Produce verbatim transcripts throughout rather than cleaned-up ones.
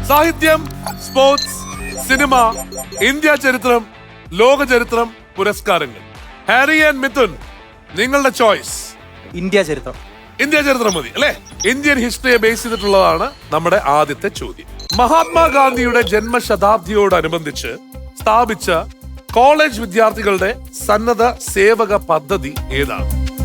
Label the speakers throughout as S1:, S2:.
S1: സാഹിത്യം, sports, cinema, India ചരിത്രം, ലോക ചരിത്രം, പുരസ്കാരങ്ങൾ. ഹാരി ആൻഡ് മിഥുൻ, നിങ്ങളുടെ ചോയ്സ്.
S2: ഇന്ത്യ ചരിത്രം.
S1: ഇന്ത്യ ചരിത്രം മതി അല്ലെ? ഇന്ത്യൻ ഹിസ്റ്ററിയെ ബേസ് ചെയ്തിട്ടുള്ളതാണ് നമ്മുടെ ആദ്യത്തെ ചോദ്യം. മഹാത്മാഗാന്ധിയുടെ ജന്മശതാബ്ദിയോടനുബന്ധിച്ച് സ്ഥാപിച്ച കോളേജ് വിദ്യാർത്ഥികളുടെ സന്നദ്ധ സേവക പദ്ധതി ഏതാണ്?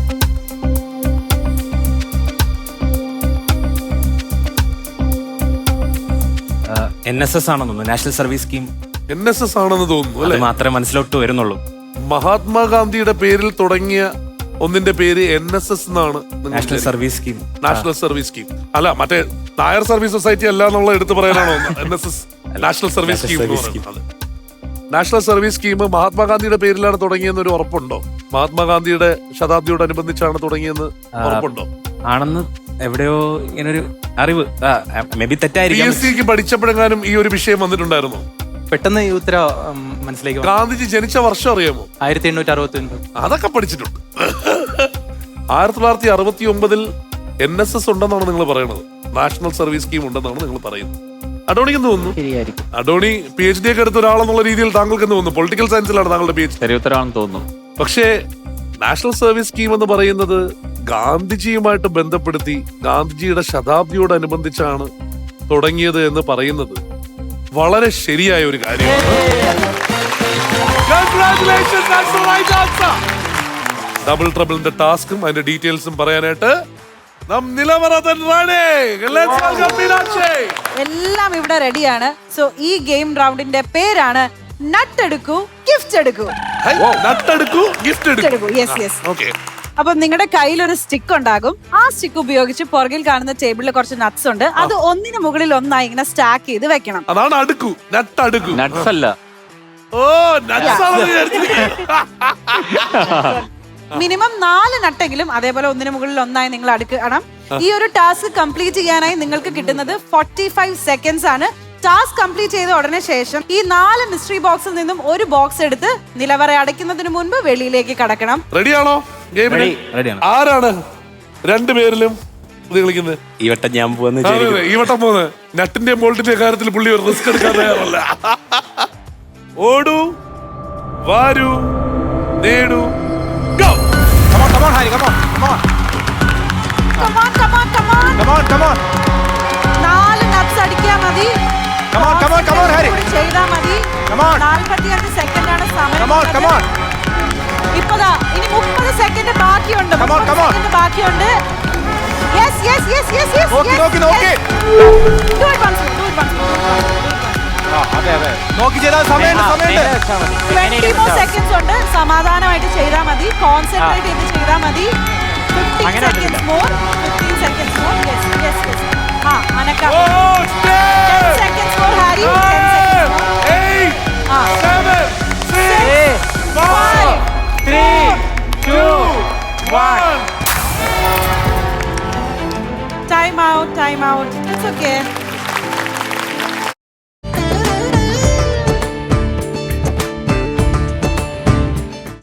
S3: എൻ എസ് എസ് ആണെന്ന് തോന്നുന്നു, national service scheme.
S1: N S S ആണെന്ന് തോന്നുന്നു അല്ലെ?
S3: മാത്രമേ മനസ്സിലോട്ട് വരുന്നുള്ളൂ.
S1: മഹാത്മാഗാന്ധിയുടെ പേരിൽ തുടങ്ങിയ ഒന്നിന്റെ പേര് എൻ എസ് എസ് എന്നാണ്.
S3: National service scheme.
S1: National service scheme അല്ല, മറ്റേ നായർ സർവീസ് സൊസൈറ്റി അല്ല എന്നുള്ള എടുത്തു പറയാനാണോ N S S national service scheme? National service scheme മഹാത്മാഗാന്ധിയുടെ പേരിലാണ് തുടങ്ങിയെന്ന് ഒരു ഉറപ്പുണ്ടോ? മഹാത്മാഗാന്ധിയുടെ ശതാബ്ദിയോടനുബന്ധിച്ചാണ് തുടങ്ങിയെന്ന് ഉറപ്പുണ്ടോ?
S3: ആണെന്ന് എവിടെയോ ഇങ്ങനൊരു അറിവ്, മേ ബി തെറ്റായിരിക്കും.
S1: പി എസ് സിക്ക് പഠിച്ചപ്പോഴെങ്ങാനും ഈ ഒരു വിഷയം വന്നിട്ടുണ്ടായിരുന്നു?
S2: പെട്ടെന്ന് ഈ ഉത്തര മനസ്സിലേക്ക്.
S1: ഗാന്ധിജി ജനിച്ച വർഷം അറിയാമോ?
S2: ആയിരത്തി എണ്ണൂറ്റി അറുപത്തി ഒൻപത്.
S1: അതൊക്കെ പഠിച്ചിട്ടുണ്ട്. ആയിരത്തി തൊള്ളായിരത്തി അറുപത്തി ഒമ്പതിൽ എൻ എസ് എസ് ഉണ്ടെന്നാണ് നിങ്ങൾ പറയുന്നത്. നാഷണൽ സർവീസ് സ്കീം ഉണ്ടെന്നാണ് നിങ്ങൾ പറയുന്നത്. അഡോണിക്ക് എന്ത് തോന്നുന്നു? അഡോണി പി എച്ച് ഡി ഒക്കെ എടുത്ത ഒരാളെന്നുള്ള രീതിയിൽ താങ്കൾക്ക് എന്ത് തോന്നുന്നു? പൊളിറ്റിക്കൽ സയൻസിലാണ് താങ്കളുടെ പി എച്ച് ഡി.
S3: തോന്നുന്നു.
S1: പക്ഷേ നാഷണൽ സർവീസ് സ്കീം എന്ന് പറയുന്നത് ഗാന്ധിജിയുമായിട്ട് ബന്ധപ്പെടുത്തി ഗാന്ധിജിയുടെ ശതാബ്ദിയോടനുബന്ധിച്ചാണ് തുടങ്ങിയത് എന്ന് പറയുന്നത് വളരെ ശരിയായ ഒരു കാര്യമാണ്. ഡബിൾ ട്രബിളിന്റെ ടാസ്കും അതിന്റെ ഡീറ്റെയിൽസും പറയാനായിട്ട്
S4: എല്ലാം ഇവിടെ റെഡിയാണ്. സോ ഈ ഗെയിം റൗണ്ടിന്റെ പേരാണ് നട്ടെടുക്കൂ ഗിഫ്റ്റ് എടുക്കൂ.
S1: നട്ടെടുക്കൂ ഗിഫ്റ്റ് എടുക്കൂ.
S4: Yes yes. ഓക്കെ. അപ്പൊ നിങ്ങളുടെ കയ്യിൽ ഒരു സ്റ്റിക്ക് ഉണ്ടാകും. ആ സ്റ്റിക്ക് ഉപയോഗിച്ച് പുറകിൽ കാണുന്ന ടേബിളിൽ കുറച്ച് നട്ട്സ് ഉണ്ട്. അത് ഒന്നിന് മുകളിൽ ഒന്നായി ഇങ്ങനെ സ്റ്റാക്ക് ചെയ്ത് വെക്കണം.
S1: അതാണ് അടുക്കൂ. നട്ട് അടുക്കൂ.
S3: നട്ട്സ് അല്ല.
S1: ഓ നട്ട്സ് ആണ്.
S4: മിനിമം നാല് നട്ടെങ്കിലും അതേപോലെ ഒന്നിന് മുകളിൽ ഒന്നായി നിങ്ങൾ അടുക്കണം. ഈ ഒരു ടാസ്ക് കംപ്ലീറ്റ് ചെയ്യാനായി നിങ്ങൾക്ക് കിട്ടുന്നത് ഫോർട്ടി ഫൈവ് സെക്കൻഡ്സ് ആണ്. ടാസ്ക് കംപ്ലീറ്റ് ചെയ്ത ഉടനെ ശേഷം ഈ നാല് മിസ്റ്ററി ബോക്സിൽ നിന്നും ഒരു ബോക്സ് എടുത്ത് നിലവറ അടയ്ക്കുന്നതിന് മുൻപ് വെളിയിലേക്ക് കടക്കണം.
S1: റെഡിയാണോ? ആരാണ് രണ്ടുപേരിലും കളിക്കുന്നത്?
S3: ഈ വട്ടം ഞാൻ പോകുന്നത്.
S1: ഈ വട്ടം പോകുന്നത് നട്ടിന്റെ ബോൾട്ടിന്റെ കാര്യത്തിൽ പുള്ളി ഒരു റിസ്ക് എടുക്കാൻ തയ്യാറല്ല. ഓടൂ, വാരൂ, നേടൂ.
S4: നാല് നട്ട്സ് അടിക്കാൻ മതി. ചെയ്താ മതി. നാൽപ്പത്തിയഞ്ച് സെക്കൻഡ് ആണ് സമയം. ഇപ്പതാ ഇനി മുപ്പത് സെക്കൻഡ് ബാക്കിയുണ്ട്. സെക്കൻഡ് ബാക്കിയുണ്ട്. Yes yes yes yes yes.
S2: നോക്കി നോക്കി നോക്കി.
S4: Do it once. Do it once.
S2: അതെ അതെ. നോക്കി ചെയ്താൽ സമയമുണ്ട് സമയമുണ്ട്.
S4: ട്വന്റി മോർ സെക്കൻഡ്സ് ഉണ്ട്. സമാധാനമായിട്ട് ചെയ്താൽ മതി. കോൺസെൻട്രേറ്റ് ചെയ്ത് ചെയ്താൽ മതി. Fifteen seconds more. Fifteen seconds more. Yes yes yes. ആ അനക്ക. Ten seconds more hurry. Ten seconds more.
S1: eight,
S4: ആ
S1: seven, six, five,
S2: three, two, one.
S4: Time out, time out. It's okay.